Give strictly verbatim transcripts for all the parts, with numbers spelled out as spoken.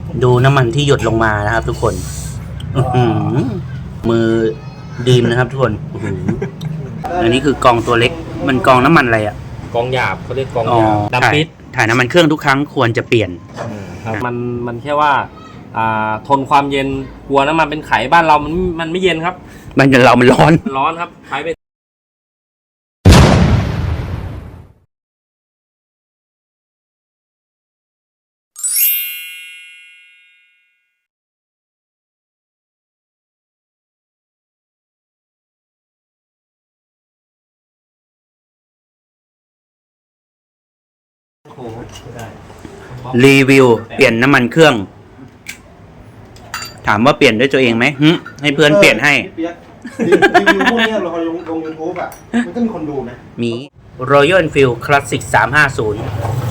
ดูน้ำมันที่หยดลงมานะครับทุกคนมือดีมนะครับทุกคนอันนี้คือกองตัวเล็กมันกองน้ำมันอะไรอ่ะกองหยาบเขาเรียกกองหยาบดำปิดถ่ายน้ำมันเครื่องทุกครั้งควรจะเปลี่ยนครับมันมันแค่ว่าอ่าทนความเย็นกลัวน้ำมันเป็นไขบ้านเรามันมันไม่เย็นครับมันเรามันร้อนร้อนครับใช้ไปรีวิวเปลี่ยนน้ำมันเครื่องถามว่าเปลี่ยนด้วยตัวเองไหมให้เพื่อนเปลี่ยนให้รีวิวพวกนี้เราลงลงยูทูบอ่ะมันก็มีคนดูไหมมี Royal Enfield Classic สามห้าศูนย์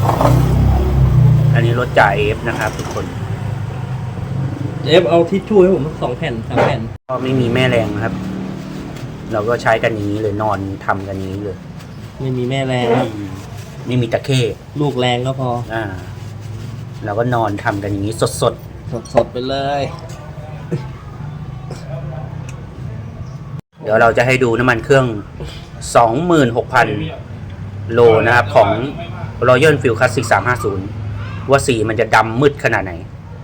อันนี้รถจ่าเอฟนะครับทุกคนเอฟเอาทิชชู่ให้ผมสองแผ่นสามแผ่นก็ไม่มีแม่แรงครับเราก็ใช้กันนี้เลยนอนทำกันนี้เลยไม่มีแม่แรงครับไม่มีตะเข้ลูกแรงก็พออ่าเราก็นอนทำกันอย่างนี้สดสดสดสดไปเลยเดี๋ยวเราจะให้ดูน้ำมันเครื่อง สองหมื่นหกพัน โลนะครับของ Royal Enfield Classic สามห้าศูนย์ว่าสีมันจะดำมืดขนาดไหน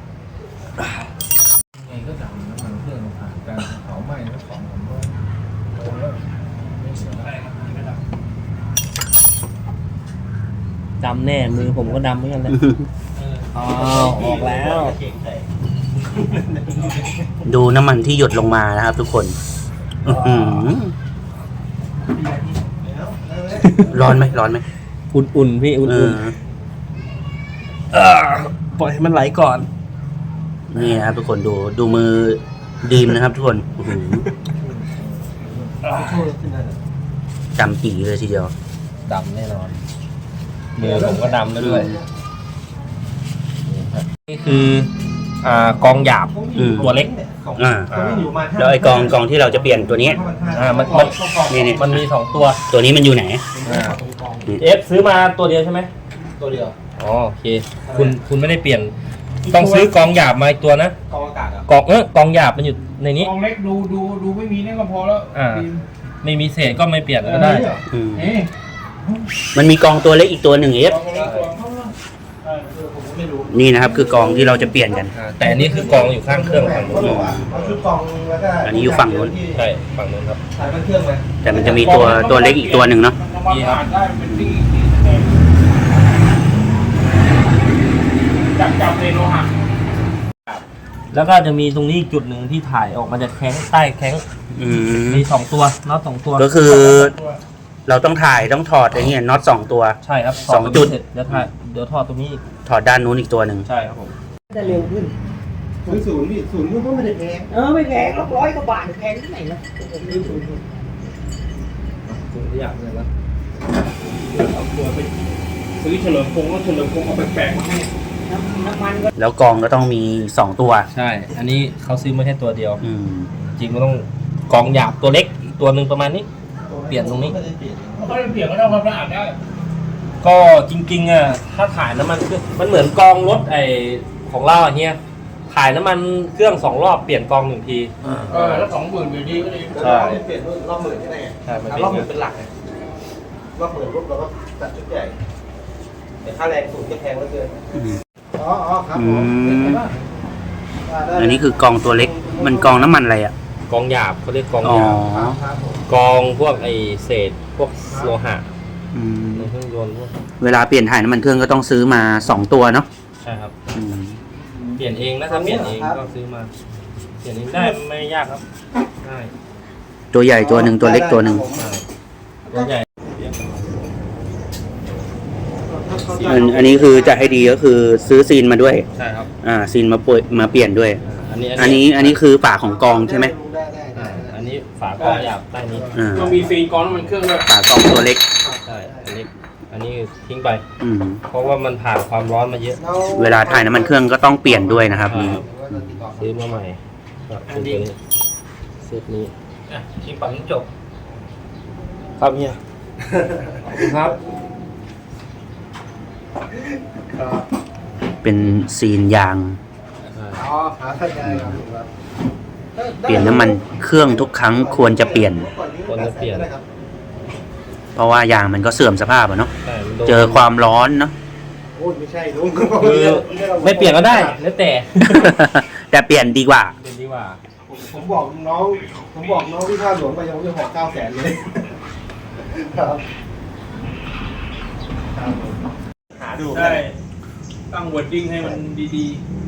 ไงก็ดำน้ำมันเครื่องผ่านการเผาไหม้แล้วของผมก็ดำแน่มือผมก็ดำเหมือนกันนะอ๋อออกแล้วดูน้ำมันที่หยดลงมานะครับทุกคนร้อนไหมร้อนไหมอุ่นๆพี่อุ่นๆปล่อยให้มันไหลก่อนนี่นะครับทุกคนดูดูมือดีมนะครับทุกคนจำปีเลยทีเดียวดำแน่นอนมือผมก็ดำด้วยนี่คืออ่ากองหยาบตัวเล็กอ่าแล้วไอ้กองกองที่เราจะเปลี่ยนตัวนี้อ่ามันมันนี่นี่มันมีสองตัวตัวนี้มันอยู่ไหนเอฟซื้อมาตัวเดียวใช่ไหมตัวเดียวอ๋อโอเคคุณคุณไม่ได้เปลี่ยนต้องซื้อกองหยาบมาอีกตัวนะกองอากาศกองเออกองหยาบมันอยู่ในนี้กองเล็กดูดูดูไม่มีนี่ก็พอแล้วอ่าไม่มีเศษก็ไม่เปลี่ยนก็ได้มันมีกองตัวเล็กอีกตัวหนึ่งเอฟนี่นะครับคือกองที่เราจะเปลี่ยนกันแต่อันนี้คือกองอยู่ข้างเครื่องฝั่งนู้นอันนี้อยู่ฝั่งนู้นใช่ฝั่งนู้นครับแต่มันจะมีตัวตัวเล็กอีกตัวหนึ่งเนาะนี่ครับจับจับในโลหะแล้วก็จะมีตรงนี้จุดหนึ่งที่ถ่ายออกมาจากแข้งใต้แข้งมีสองตัวน็อตสองตัวก็คือเราต้องถ่ายต้องถอดอย่างเงี้ยน็อตสองตัวใช่ครับสองจุดเดี๋ยวถ่ายเดี๋ยวถอดตรงนี้ถอดด้านนู้นอีกตัวหนึ่งใช่ครับผมจะเร็วขึ้นศูนย์นี่ศูนย์ก็ไม่ได้แพงเออไม่แพงหรอกร้อยกว่าบาทแพงที่ไหนนะศูนย์ศูนย์ศูนย์อย่างเลยนะเอาตัวไปซื้อเฉลิมพงษ์ก็เฉลิมพงษ์เอาแปลกๆมาให้น้ำมันก็แล้วกองก็ต้องมีสองตัวใช่อันนี้เขาซื้อมาแค่ตัวเดียวจริงมันต้องกองหยาบตัวเล็กอีกตัวหนึ่งประมาณนี้เปลี่ยนตรงนี้เขาเปลี่ยนก็ต้องความสะอาดได้ก็จริงๆอ่ะถ้าถ่ายน้ำมันมันเหมือนกองรถไอของเราเฮียถ่ายน้ำมันเครื่องสองรอบเปลี่ยนกองหนึ่งทีเออแล้วสองหมื่นอยู่ดีก็ดีใช่เปลี่ยนรอบหมื่นใช่ไหมใช่รอบหมื่นเป็นหลักไงรอบหมื่นรถเราก็จัดชุดใหญ่แต่ค่าแรงสูงจะแพงเหลือเกินอ๋ออ๋อครับผมอันนี้คือกองตัวเล็กมันกองน้ำมันอะไรอ่ะกองหยาบเขาเรียกกองหยาบกองพวกไอเศษพวกโลหะในเครื่องยนต์เวลาเปลี่ยนถ่ายน้ำมันเครื่องก็ต้องซื้อมาสองตัวเนาะใช่ครับเปลี่ยนเองนะถ้าเปลี่ยนเองก็ซื้อมาเปลี่ยนเองได้ไม่ยากครับได้ตัวใหญ่ตัวหนึ่งตัวเล็กตัวหนึ่งตัวใหญ่อันอันนี้คือจะให้ดีก็คือซื้อซีนมาด้วยใช่ครับอ่าซีนมาป่วยมาเปลี่ยนด้วยอันนี้อันนี้อันนี้คือฝาของกองใช่ไหมอันนี้ฝากองหยาบใต้นี้ต้องมีซีนกองมันเครื่องด้วยฝากองตัวเล็กใช่อันนี้อันนี้ทิ้งไปเพราะว่ามันผ่านความร้อนมาเยอะเวลาถ่ายน้ำมันเครื่องก็ต้องเปลี่ยนด้วยนะครับซื้อมาใหม่อันนี้เซตนี้ทิ้งปังจบครับเฮียครับเป็นซีนยางอ๋อหาท่านได้ครับเปลี่ยนน้ำมันเครื่องทุกครั้งควรจะเปลี่ยนควรจะเปลี่ยนเพราะว่ายางมันก็เสื่อมสภาพอะเนาะใช่มันโดนเจอความร้อนเนาะโอ้ยไม่ใช่ลุงคือไม่เปลี่ยนก็ได้แล้วแต่แต่เปลี่ยนดีกว่าเปลี่ยนดีกว่าผมผมบอกน้อง ผมบอกน้องที่ท่าหลวงไปยังไม่หอเก้าแสนเลยครับหาดูใช่ตั้งวอร์ดดิ้งให้มันดี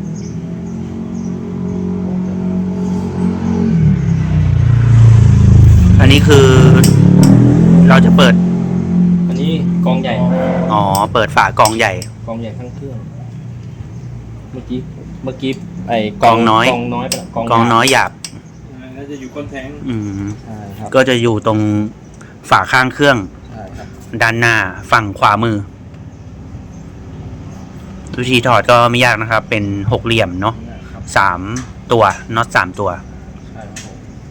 อันนี้คือ เราจะเปิดอันนี้กองใหญ่อ๋อ เปิดฝากองใหญ่กองใหญ่ทั้งเครื่อง เมื่อกี้เมื่อกี้ไอ้กองน้อยกองน้อยไปละกองน้อยหยาบๆน่าจะอยู่ก้นแทงอืมใช่ครับก็จะอยู่ตรงฝาข้างเครื่องใช่ครับด้านหน้าฝั่งขวามือ วิธีถอดก็ไม่ยากนะครับ เป็นหกเหลี่ยมเนาะครับสามตัวน็อตสามตัวใช่ครับผม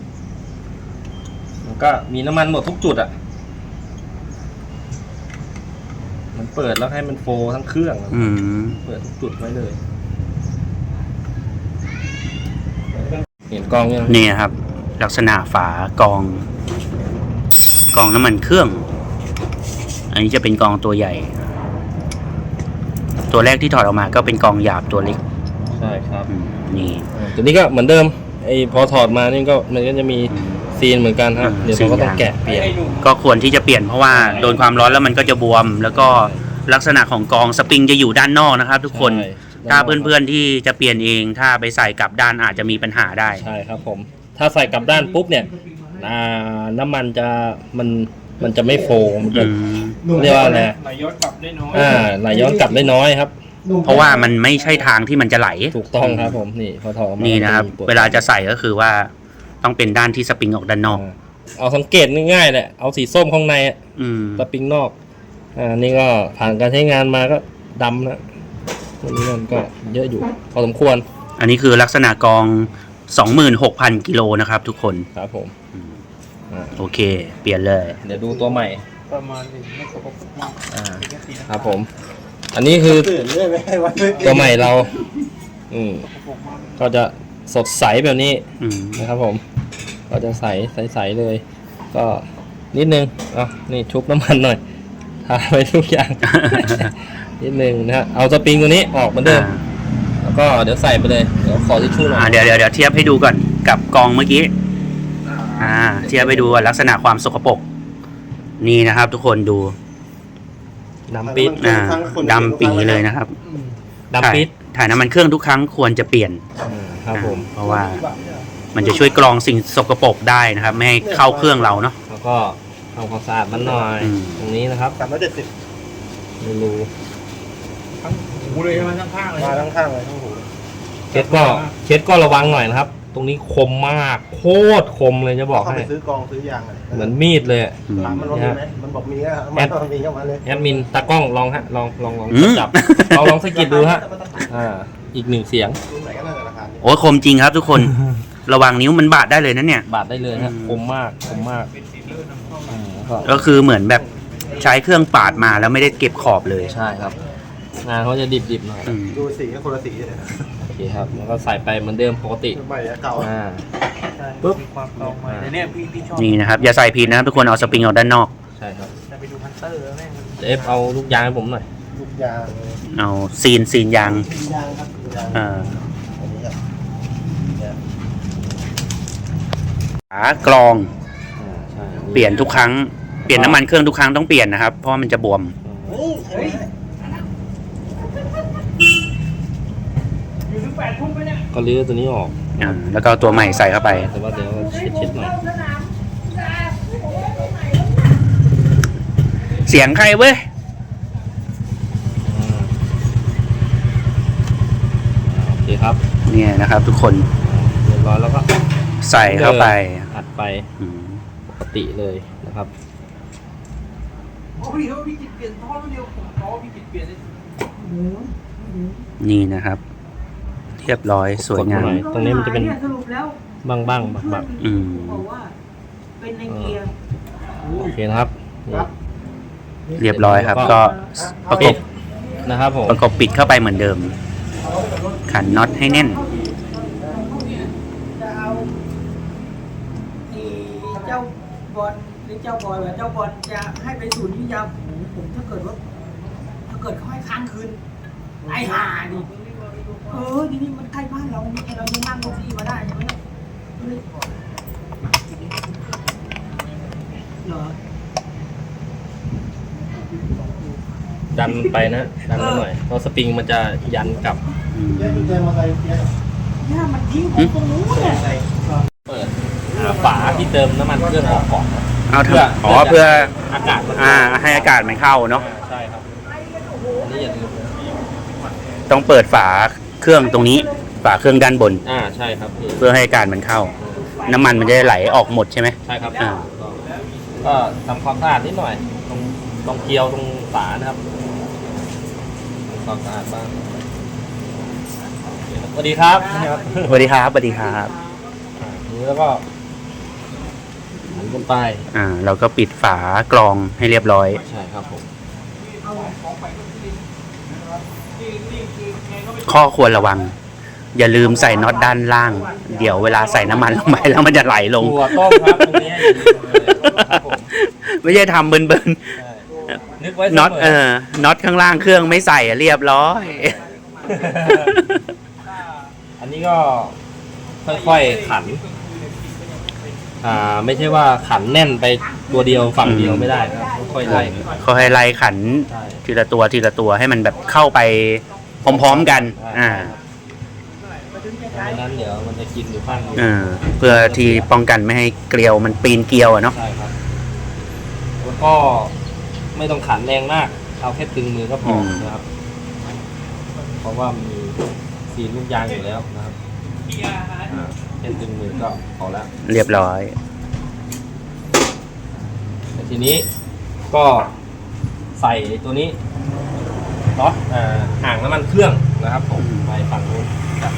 แล้วก็มีน้ำมันหมดทุกจุดอ่ะ มันเปิดแล้วให้มันโฟลว์ทั้งเครื่องอะอืมเปิดทุกจุดไว้เลย เห็นกองยังนี่นะครับ ลักษณะฝากอง กองน้ำมันเครื่อง อันนี้จะเป็นกองตัวใหญ่ ตัวแรกที่ถอดออกมาก็เป็นกองหยาบตัวเล็กใช่ครับอืมนี่อ่าตัวนี้ก็เหมือนเดิมไอ้พอถอดมานี่ก็มันก็จะมีซีนเหมือนกันฮะอืมเดี๋ยวเราก็ต้องซีนยางแกะเปลี่ยนไอ้หนุ่มก็ควรที่จะเปลี่ยนเพราะว่าโดนความร้อนแล้วมันก็จะบวม แล้วก็ลักษณะของกองสปริงจะอยู่ด้านนอกนะครับ ทุกคนใช่ถ้าเพื่อนๆที่จะเปลี่ยนเอง ถ้าไปใส่กลับด้านอาจจะมีปัญหาได้ใช่ครับผม ถ้าใส่กลับด้านปุ๊บเนี่ยอ่าน้ำมันจะมันมันจะไม่โฟลว์มันจะอืมเรียกว่าอะไรไหลย้อนกลับได้น้อยอ่าไหลย้อนกลับได้น้อยครับเพราะว่ามันไม่ใช่ทางที่มันจะไหลถูกต้องครับผมนี่พอถอดออกมานี่นะครับมัจมีปดเวลาจะใส่ก็คือว่าต้องเป็นด้านที่สปริงออกด้านนอกอ่าเอาสังเกตง่ายๆแหละเอาสีส้มข้างในอะอืมสปริงนอกอ่านี่ก็ผ่านการใช้งานมาก็ดำนะตัวนี้มันก็เยอะอยู่พอสมควรอันนี้คือลักษณะกอง สองหมื่นหกพัน กิโลนะครับทุกคนครับผมอ่าโอเค เปลี่ยนเลยเดี๋ยวดูตัวใหม่ประมาณนี้ไม่สกปรกมากอ่าครับผม อันนี้คือตื่นเรื่อยไม่ให้วันตัวใหม่เรา อืมก็จะสดใสแบบนี้อืมนะครับผม ก็จะใสใสๆเลย ก็นิดนึงอ่ะนี่ชุบน้ำมันหน่อยทาไปทุกอย่าง นิดนึงนะฮะเอาสปริงตัวนี้ออกเหมือนเดิม แล้วก็เดี๋ยวใส่ไปเลย เดี๋ยวขอทิชชู่หน่ออ่าย เดี๋ยวเดี๋ยวเดี๋ยวเทียบให้ดูก่อนกับกองเมื่อกี้ อ่า เทียบให้ดูว่าลักษณะความสกปรก นี่นะครับ ทุกคนดูดำปิดอ่าดำปีเลยนะครับดำปิดถ่ายถ่ายน้ำมันเครื่องทุกครั้งควรจะเปลี่ยนอืมครับผมเพราะว่ามันจะช่วยกรองสิ่งสกปรกได้นะครับ ไม่ให้เข้าเครื่องเราเนาะแล้วก็ทำความสะอาดมันหน่อยอืมตรงนี้นะครับสามร้อยเจ็ดสิบไม่รู้ทั้งหูเลยใช่ไหมทั้งข้างเลยมาทั้งข้างเลยทั้งหูเคสก็เคสก็ระวังหน่อยนะครับ ตรงนี้คมมาก โคตรคมเลยจะบอกเข้าให้ไปซื้อกองซื้อยางอะไรเหมือนมีดเลยอะอืมถามมันว่ามีไหมมันบอกมีอะมันบอกมีเข้ามาเลยแอดมินตากล้องลองฮะลองลองลองอืมจับลองลองสะกิดดูฮะอ่าอีกหนึ่งเสียงดูไหนก็น่าจะราคานี้โอ้ยคมจริงครับทุกคน ระวังนิ้วมันบาดได้เลยนะเนี่ยบาดได้เลยฮะอืมคมมากคมมากอืมก็ก็คือเหมือนแบบใช้เครื่องปาดมาแล้วไม่ได้เก็บขอบเลยใช่ครับ งานเขาจะดิบดิบๆหน่อยอืมดูสีก็คนละสีเลยนะโอเคครับแล้วก็ใส่ไปเหมือนเดิมปกติใหม่อะเก่าอ่าปุ๊บมีความเก่าใหม่แต่เนี่ยพี่พี่ชอบนี่นะครับ อย่าใส่ผิดนะครับทุกคนเอาสปริงออกด้านนอกใช่ครับจะไปดูพันเตอร์แล้วแม่งเอฟเอาลูกยางให้ผมหน่อยลูกยางเอาซีนซีนยางยางครับยางอ่าอันนี้ครับฝากรองอ่าใช่เปลี่ยนทุกครั้งเปลี่ยนน้ำมันเครื่องทุกครั้งต้องเปลี่ยนนะครับเพราะว่ามันจะบวมเฮ้ยเฮ้ยอยู่ถึงแปดทุ่มไหมเนี่ยก็รื้อตัวนี้ออกอ่าแล้วก็เอาตัวใหม่ใส่เข้าไปแต่ว่าเดี๋ยวเช็ดเช็ดๆหน่อยเสียงใครเว้ยอ่าโอเคครับเนี่ยนะครับ ทุกคนเรียบร้อยแล้วก็ใส่เข้าไปอัดไปอืมปกติเลยนะครับโอ้ยเฮ้ยพี่กิจเปลี่ยนท่อเดียวผมขอพี่กิจเปลี่ยนเลยนี่นะครับ เรียบร้อยสวยงามกดหน่อย ตรงนี้มันจะเป็นสรุปแล้วบ้างบ้างบักบักอืมบอกว่าเป็นในเกียร์โอเคนะครับนี่เรียบร้อยครับ ก็ประกปิบดนะครับผมประกบปิดเข้าไปเหมือนเดิม ขันน็อตให้แน่นบอลหรือเจ้าบอยว่าเจ้าบอลจะให้ไปศูนย์วิทยาผมผมถ้าเกิดว่าถ้าเกิดเขาให้ค้างคืนไอ้ห่าดิเออทีนี้มันใกล้บ้านเราเนี่ยเรายังนั่งรถที่มาได้ใช่ไหมเหรอดันไปนะดันไปหน่อยเพราะสปริงมันจะยันกลับเนี่ยมันทิ้งผมตรงนู้นเนี่ยเปิดอ่าฝาที่เติมน้ำมันเครื่องออกก่อนนะเอาทำอ๋อเพื่ออากาศมันอ่าให้อากาศมันเข้าเนาะใช่ครับอันนี้อย่าลืมนะต้องเปิดฝาเครื่องตรงนี้ฝาเครื่องด้านบนอ่าใช่ครับพี่เพื่อให้อากาศมันเข้า น้ำมันมันจะได้ไหลออกหมดใช่ไหมใช่ครับอ่าก็ทำความสะอาดนิดหน่อย ตรงตรงเกลียวตรงฝานะครับทำความสะอาดบ้างสวัสดีครับสวัสดีครับสวัสดีครับอ่าทีนี้แล้วก็หันบนไปอ่าเราก็ปิดฝากรองให้เรียบร้อยใช่ครับผมข้อควรระวัง อย่าลืมใส่น็อตด้านล่าง เดี๋ยวเวลาใส่น้ำมันลงไปแล้วมันจะไหลลงถั่วต้มครับตรงนี้อย่าลืมเลยครับผมไม่ใช่ทำเบินใช่นึกไว้ๆน็อตเออน็อตข้างล่างเครื่องไม่ใส่อะเรียบร้อยอันนี้ก็ค่อยๆขัน อ่าไม่ใช่ว่าขันแน่นไปตัวเดียวฝั่งเดียวไม่ได้ครับค่อยๆไล่เขาให้ไล่ขันใช่ทีละตัวทีละตัวให้มันแบบเข้าไปพร้อมๆกัน อ่าไม่งั้นเดี๋ยวมันจะกินอยู่ข้างเดียวเออเพื่อที่ป้องกันไม่ให้เกลียวมันปีนเกลียวอะเนาะใช่ครับแล้วก็ไม่ต้องขันแรงมากเอาแค่ตึงมือก็พอนะครับ เพราะว่ามีซีนลูกยางอยู่แล้วนะครับอ่าแค่ตึงมือก็พอแล้วเรียบร้อยแต่ทีนี้ก็ใส่ตัวนี้เนาะอ่าอ่างน้ำมันเครื่องนะครับผมไปฝั่งนู้นครับ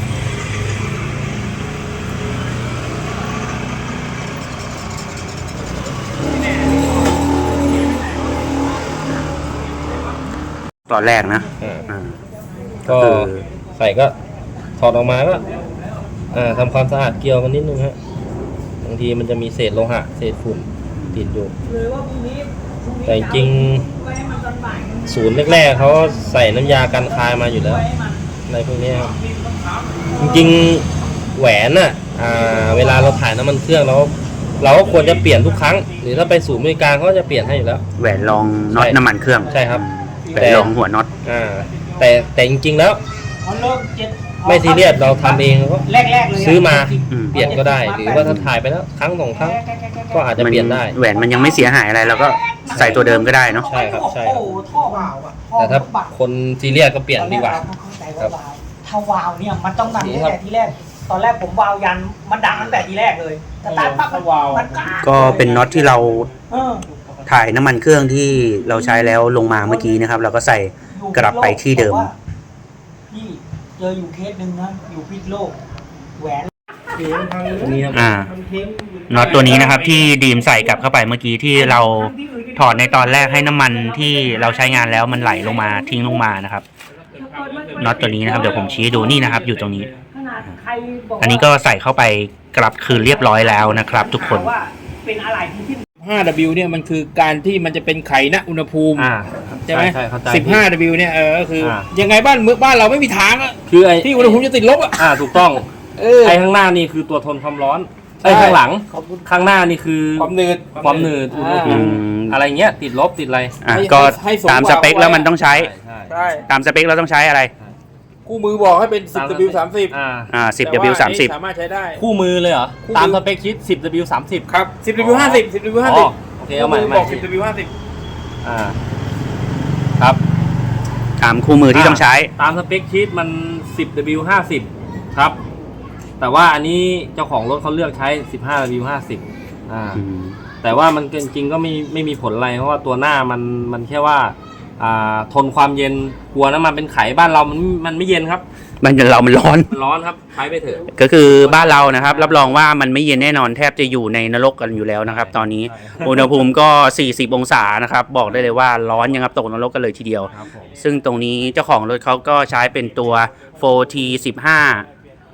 ตอนแรกนะอ่าอ่าก็คือใส่ก็ถอดออกมาก็อ่าทำความสะอาดเกลียวมันนิดนึงฮะบางทีมันจะมีเศษโลหะเศษฝุ่นติดอยู่เลยว่าพรุ่งนี้พรุ่งนี้แต่จริงไว้ให้มันตอนบ่ายศูนย์แรกๆเขาใส่น้ำยากันคายมาอยู่แล้วไว้ให้มันอะไรพวกเนี้ยครับจริงๆแหวนน่ะอ่าเวลาเราถ่ายน้ำมันเครื่องเราเราก็ควรจะเปลี่ยนทุกครั้ง หรือถ้าไปศูนย์บริการเขาก็จะเปลี่ยนให้อยู่แล้วแหวนรองน็อตใช่น้ำมันเครื่องใช่ครับแหวนรองหัวน็อตอ่าแต่แต่จริงๆแล้วพอเริ่มเจ็ดไม่ซีเรียสเราทำเองก็แรกๆเลยะซื้อมาอืมเปลี่ยนก็ได้ หรือว่าถ้าถ่ายไปแล้วครั้งสองครั้งก็อาจจะเปลี่ยนได้แหวนมันยังไม่เสียหายอะไรเราก็ใส่ตัวเดิมก็ได้เนาะใช่ครับใช่ครับโอ้โหท่อวาวอะท่อแต่ถ้าบักคนซีเรียสก็เปลี่ยนดีกว่าตอนแรเรเข้าใจว่าวาวถ้าวาวเนี่ยมันต้องดังตั้งแต่ทีแรก ตอนแรกผมวาวยันมันดังตั้งแต่ทีแรกเลยแต่ตาปั๊บมันมันกล้าก็เป็นน็อตที่เราเออถ่ายน้ำมันเครื่องที่เราใช้แล้วลงมาเมื่อกี้นะครับ เราก็ใส่ กลับไปที่เดิมพี่เจออยู่เคสหนึ่งนะอยู่พิษโลกแหวนนี่ครับอ่าน็อตตัวนี้นะครับที่ดีมใส่กลับเข้าไปเมื่อกี้ที่เราถอดในตอนแรกให้น้ำมันที่เราใช้งานแล้วมันไหลลงมาทิ้งลงมานะครับน็อตตัวนี้นะครับเดี๋ยวผมชี้ให้ดูนี่นะครับ อยู่ตรงนี้ขนาดใครบอกว่าอันนี้ก็ใส่เข้าไปกลับคืนเรียบร้อยแล้วนะครับ ทุกคนว่าเป็นอะไรที่ที่ห้า ดับเบิลยู เนี่ยมันคือการที่มันจะเป็นไขณอุณหภูมิอ่าใช่ไหมใช่เข้าใจสิบห้า ดับเบิลยู เนี่ยเออก็คืออา ยังไงบ้านเมืองบ้านเราไม่มีทางอะคือไอ้ที่อุณหภูมิจะติดลบอะอ่าถูกต้องเออไอ้ข้างหน้านี่คือตัวทนความร้อนใช่ไอ้ข้างหลังข้างหน้านี่คือความหนืดความหนืดอุณหภูมิอืมอะไรเงี้ยติดลบติดอะไรอ่ะให้ก็ให้สมตามสเปคแล้วมันต้องใช้ใช่ใช่ตามสเปคเราต้องใช้อะไรคู่มือบอกให้เป็น สิบ ดับเบิลยู สามสิบอ่าอ่า สิบ ดับเบิลยู สามสิบสามารถใช้ได้คู่มือเลยเหรอคู่มือตามสเปคชิดสิบ ดับเบิลยู สามสิบครับ สิบ ดับเบิลยู ห้าสิบ สิบ ดับเบิลยู ห้าอ๋สิอบ โอเคเอาใหม่คู่มืใหม่บอก สิบ ดับเบิลยู ห้าสิบอ่าครับตามคู่มือที่ต้องใช้ตามสเปคชีตมัน สิบ ดับเบิลยู ห้าสิบ ครับ แต่ว่าอันนี้เจ้าของรถเขาเลือกใช้ สิบห้า ดับเบิลยู ห้าสิบ อ่าอืมแต่ว่ามันจริงๆก็ไม่ไม่มีผลอะไรเพราะว่าตัวหน้ามันมันแค่ว่าอ่าทนความเย็นกลัวน้ำมันเป็นไขบ้านเรามันมันไม่เย็นครับมันเรามันร้อนมันร้อนครับใช้ไปเถอะก็คือบ้านเรานะครับ รับรองว่ามันไม่เย็นแน่นอนแทบจะอยู่ในนรกกันอยู่แล้วนะครับ ตอนนี้ใช่อุณหภูมิก็ สี่สิบ องศานะครับ บอกได้เลยว่าร้อนยังครับตกนรกกันเลยทีเดียวครับผมซึ่งตรงนี้เจ้าของรถเขาก็ใช้เป็นตัว โฟร์ที สิบห้า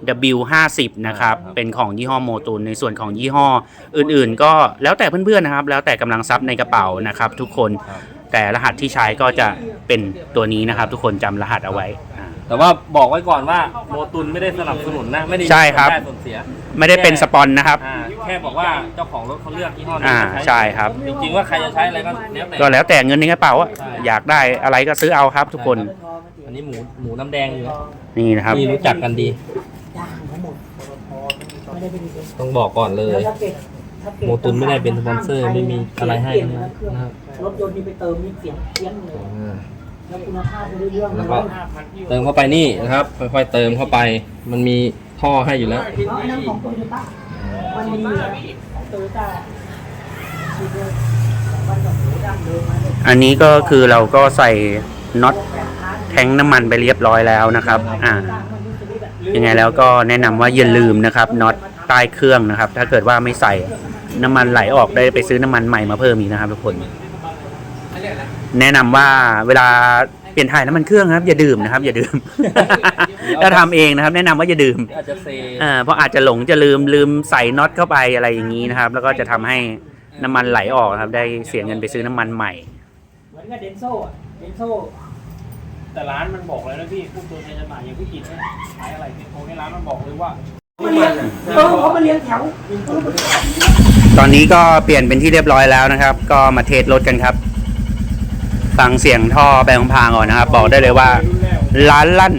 ดับเบิลยู ห้าสิบ นะครับ เป็นของยี่ห้อโมตุนในส่วนของยี่ห้ออื่นๆ ก็แล้วแต่เพื่อนๆนะครับ แล้วแต่กำลังทรัพย์ในกระเป๋านะครับ ทุกคนแต่รหัสที่ใช้ก็จะเป็นตัวนี้นะครับ ทุกคนจำรหัสเอาไว้อ่าแต่ว่าบอกไว้ก่อนว่าโมตุนไม่ได้สนับสนุนนะไม่ได้ใช่ครับได้ส่วนเสียไม่ได้เป็นสปอนนะครับอ่าแค่บอกว่าเจ้าของรถเขาเลือกยี่ห้อนี้อ่ามาใช่ครับจริงๆว่าใครจะใช้อะไรก็แล้วแต่ก็แล้วแต่เงินในกระเป๋าอะใช่อยากได้อะไรก็ซื้อเอาครับทุกคนอันนี้หมูหมูน้ำแดงอยู่นะนี่นะครับนี่รู้จักกันดีจ้างเขาหมดไม่ได้เป็นดีต้องบอกก่อนเลยแล้วถ้าเกิดถ้าเกิดโมตุนไม่ได้เป็นสปอนเซอร์ไม่มีอะไรให้ทั้งนั้นนะครับรถยนต์นี่ไปเติมนี่เสียงเพี้ยนเลยอ่าแล้วคุณภาพไม่ได้เรื่องแล้วก็เติมเข้าไปนี่นะครับ ค่อยๆเติมเข้าไป มันมีท่อให้อยู่แล้วเพราะอันนั้นของโตโยต้ามันมีอยู่แล้วของโตโยต้าชีวิตของบ้านกับหมูดั้งเดิมมาเนี่ยอันนี้ก็คือเราก็ใส่น็อตแทงน้ำมันไปเรียบร้อยแล้วนะครับอ่ายังไงแล้วก็แนะนำว่าอย่าลืมนะครับน็อตใต้เครื่องนะครับ ถ้าเกิดว่าไม่ใส่น้ำมันไหลออกได้ไปซื้อน้ำมันใหม่มาเพิ่มอีกนะครับทุกคน แนะนำว่าเวลาเปลี่ยนถ่ายน้ำมันเครื่องครับอย่าดื่มนะครับ อย่าดื่ม ถ้าทำเองนะครับ แนะนำว่าอย่าดื่มอาจจะเซอ่าเพราะอาจจะหลงจะลืมลืมใส่น็อตเข้าไปอะไรอย่างนี้นะครับ แล้วก็จะทำให้น้ำมันไหลออกครับ ได้เสียเงินไปซื้อน้ำมันใหม่เหมือนกับเดนโซ่อะเดนโซ่แต่ร้านมันบอกเลยนะพี่พวกตัวแทนจำหน่ายอย่างพี่กินเนี่ยขายอะไรเนี่ยโทรให้ร้านมันบอกเลยว่ามาเลี้ยงเออเขามาเลี้ยงแถวตอนนี้ก็เปลี่ยนเป็นที่เรียบร้อยแล้วนะครับ ก็มาเทสรถกันครับ ฟังเสียงท่อแบงพางก่อนนะครับ บอกได้เลยว่าล้านลั่น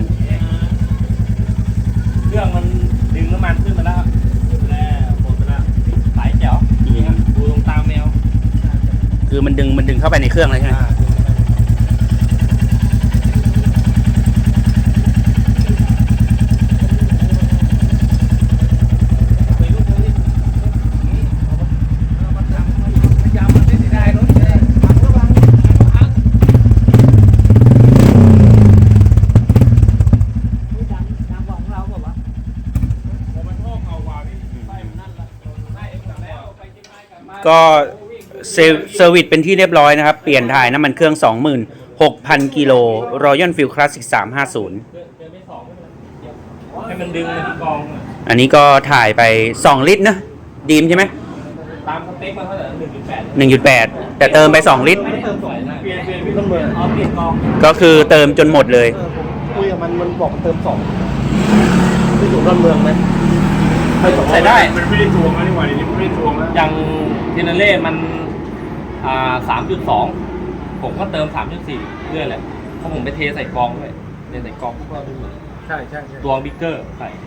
เครื่องมันดึงน้ำมันขึ้นมาแล้วแล้วหมดไปแล้วสายแจ๋วนี่ครับดูตรงตามแมวคือมันดึงมันดึงเข้าไปในเครื่องเลยใช่ไหมดังดังกว่าของเราแบบว่าก็เซเซอร์วิสเป็นที่เรียบร้อยนะครับ เปลี่ยนถ่ายน้ำมันเครื่อง สองหมื่นหกพัน กิโล Royal Field Classic สามห้าศูนย์ให้มันดึงมาที่กองอะอันนี้ก็ถ่ายไป สอง ลิตรนะดีมใช่ไหมตามสเปคมาเท่าไหร่หนึ่งจุดแปดหนึ่งจุดแปด แต่เติมไป สอง ลิตรไม่ได้เติมสองเปลี่ยนเปลี่ยนต้นเมืองอ๋อเปลี่ยนกองก็คือเติมจนหมดเลยเออผมคุยกับมันมันบอกมันเติมสองไปอยู่ต้นเมืองไหมใส่ได้มันไม่ได้ทวงแล้วนี่หว่าเดี๋ยวนี้มันไม่ได้ทวงแล้วอย่างเทนเล่มันอ่าสามจุดสองผมก็เติมสามจุดสี่เรื่อยแหละเพราะผมไปเทใส่กองด้วยเทใส่กองก็ดูเหมือนใช่ใช่ใช่ตัวบิ๊กเกอร์ใส่